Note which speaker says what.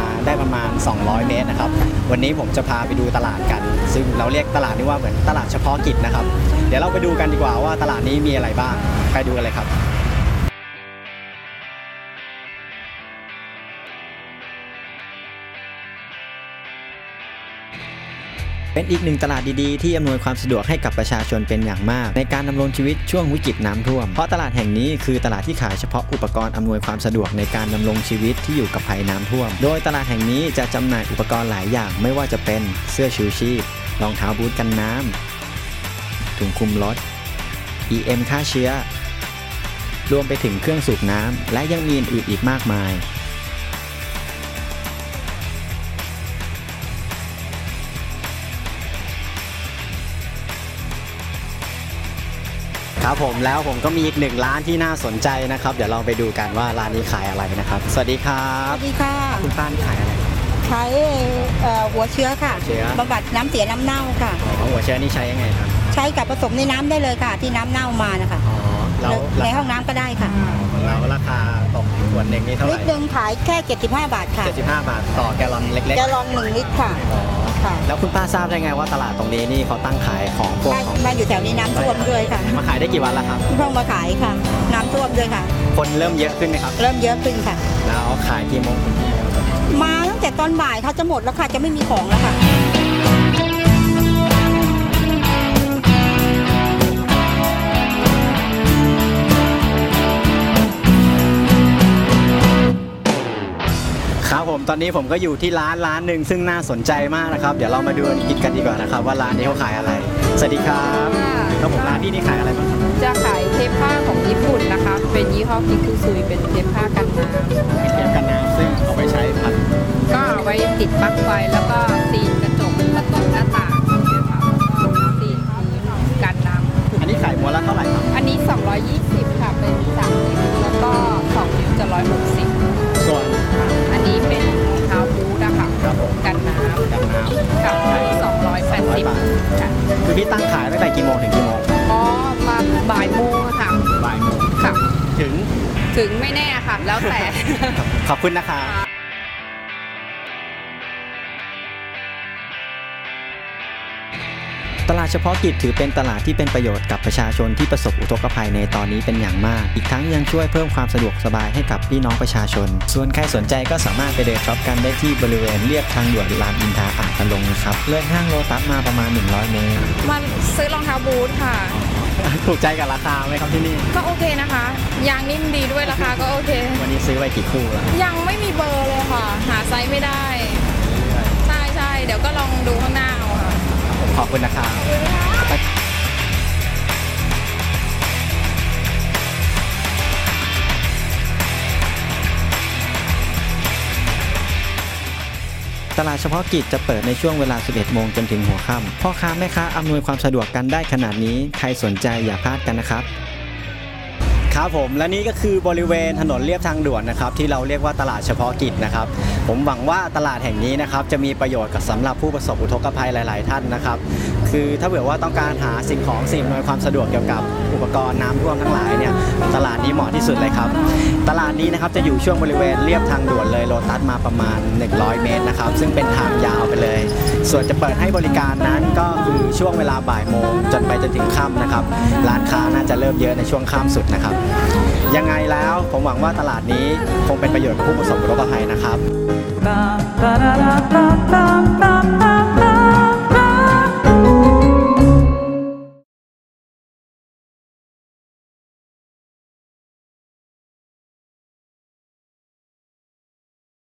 Speaker 1: ได้ประมาณ200 เมตรนะครับวันนี้ผมจะพาไปดูตลาดกันซึ่งเราเรียกตลาดนี้ว่าเหมือนตลาดเฉพาะกิจนะครับเดี๋ยวเราไปดูกันดีกว่าว่าตลาดนี้มีอะไรบ้างไปดูกันเลยครับเป็นอีกหนึ่งตลาดดีๆที่อำนวยความสะดวกให้กับประชาชนเป็นอย่างมากในการดำรงชีวิตช่วงวิกฤตน้ำท่วมเพราะตลาดแห่งนี้คือตลาดที่ขายเฉพาะอุปกรณ์อำนวยความสะดวกในการดำรงชีวิตที่อยู่กับภัยน้ำท่วมโดยตลาดแห่งนี้จะจำหน่ายอุปกรณ์หลายอย่างไม่ว่าจะเป็นเสื้อชูชีพรองเท้าบูทกันน้ำถุงคลุมรถ EM ฆ่าเชื้อรวมไปถึงเครื่องสูบน้ำและยังมีอื่นๆอีกมากมายครับผมแล้วผมก็มีอีกหนึ่งร้านที่น่าสนใจนะครับเดี๋ยวเราไปดูกันว่าร้านนี้ขายอะไรนะครับสวัสดีครับ
Speaker 2: สวัสดีค่ะ
Speaker 1: คุณป้านี่ขายอะไร
Speaker 2: ใช้หัวเชื้อค่ะ
Speaker 1: เชื้อบ
Speaker 2: ำบัดน้ำเสียน้ำเน่าค่ะ
Speaker 1: หัวเชื้อนี่ใช้ยังไงครับ
Speaker 2: ใช้กับผสมในน้ำได้เลยค่ะที่น้ำเน่ามานะคะในห้องน้ำก็ได้ค่ะ
Speaker 1: แล้วราคาตกขวดหนึ่งนี่เท่าไหร่
Speaker 2: ลิตรหนึ่งขายแค่75 บาทค่ะ
Speaker 1: 75 บาทต่อแกลลอนเล็กๆ
Speaker 2: แกลลอน1 ลิตรค่ะ
Speaker 1: แล้วคุณป้าทราบได้ไงว่าตลาดตรงนี้นี่เขาตั้งขายของพวก
Speaker 2: มาอยู่แถวนี้น้ำท่วมด้วยค่ะ
Speaker 1: มาขายได้กี่วันแล้วครับ
Speaker 2: เพิ่งมาขายค่ะน้ำท่วมด้วยค่ะ
Speaker 1: คนเริ่มเยอะขึ้นไหมครับ
Speaker 2: เริ่มเยอะขึ้นค่ะ
Speaker 1: แล้วขายกี่โมง
Speaker 2: มาตั้งแต่ตอนบ่ายค่ะจะหมดแล้วค่ะจะไม่มีของแล้วค่ะ
Speaker 1: ครับผมตอนนี้ผมก็อยู่ที่ร้านหนึ่งซึ่งน่าสนใจมากนะครับเดี๋ยวเรามาดูกันดีกว่านะครับว่าร้านนี้เขาขายอะไรสวัสดีครับครับผมร้านที่นี่ขายอะไรบ้างครับ
Speaker 3: จะขายเทปผ้าของญี่ปุ่นนะคะเป็นยี่ห้อคิคุซุยเป็นเทปผ้ากันน้ำ
Speaker 1: เป็นเทปกันน้ำซึ่งเอาไปใช้พัน
Speaker 3: ก็เอาไว้ติดปลั๊กไฟแล้วก็ซีนกระจกประตูหน้าต่างนะคะแล้วก็ซีนกันน้ำ
Speaker 1: อันนี้ขายม้วนละเท่าไหร่ครับ
Speaker 3: อันนี้220ค่ะเป็น3 นิ้วแล้วก็2 นิ้วจะ160
Speaker 1: ส่วน
Speaker 3: อันนี้เป็นรองเท้าบูทนะคะกันน้ำค่ะ280ค่ะ
Speaker 1: คือพี่ตั้งขายตั้งแต่กี่โมงถึงกี่โมง
Speaker 3: อ๋อมาบ่ายโมงค่ะ
Speaker 1: บ่ายโมง
Speaker 3: ค่ะ
Speaker 1: ถึง
Speaker 3: ไม่แน่ค่ะแล้วแต่
Speaker 1: ขอบคุณนะคะตลาดเฉพาะกิจถือเป็นตลาดที่เป็นประโยชน์กับประชาชนที่ประสบอุทกภัยในตอนนี้เป็นอย่างมากอีกทั้งยังช่วยเพิ่มความสะดวกสบายให้กับพี่น้องประชาชนส่วนใครสนใจก็สามารถไปเดินช็อปกันได้ที่บริเวณเลียบทางด่วนรามอินทราอ่างตะลงนะครับเลยห้างโลตัสมาประมาณ100 เมตร
Speaker 3: มาซื้อรองเท้าบูทค่ะ
Speaker 1: ถูกใจกับราคาไหมครับที่นี่
Speaker 3: ก็โอเคนะคะยางนิ่มดีด้วยราคาก็โอเค
Speaker 1: วันนี้ซื้อไปกี่คู่แล้ว
Speaker 3: ยังไม่มีเบอร์เลยค่ะหาไซส์ไม่ได้ใช่เดี๋ยวก็ลองดูข้างหน้าเอาค่ะ
Speaker 1: ขอบคุณนะครับตลาดเฉพาะกิจจะเปิดในช่วงเวลา 11 โมงจนถึงหัวค่ำพ่อค้าแม่ค้าอำนวยความสะดวกกันได้ขนาดนี้ใครสนใจอย่าพลาดกันนะครับครับผมและนี่ก็คือบริเวณถนนเลียบทางด่วนนะครับที่เราเรียกว่าตลาดเฉพาะกิจนะครับผมหวังว่าตลาดแห่งนี้นะครับจะมีประโยชน์กับสำหรับผู้ประสบอุทกภัยหลายๆท่านนะครับคือถ้าเผื่อว่าต้องการหาสิ่งของสิ่งอำนวยความสะดวกเกี่ยวกับอุปกรณ์น้ำท่วมทั้งหลายเนี่ยตลาดนี้เหมาะที่สุดเลยครับตลาดนี้นะครับจะอยู่ช่วงบริเวณเลียบทางด่วนเลยโลตัสมาประมาณ100 เมตรนะครับซึ่งเป็นทางยาวไปเลยส่วนจะเปิดให้บริการนั้นก็คือช่วงเวลาบ่ายโมงจนไปจนถึงค่ำนะครับร้านค้าน่าจะเริ่มเยอะในช่วงค่ำสุดนะครับยังไงแล้วผมหวังว่าตลาดนี้คงเป็นประโยชน์กับผู้ประสบอุทกภัยนะครับ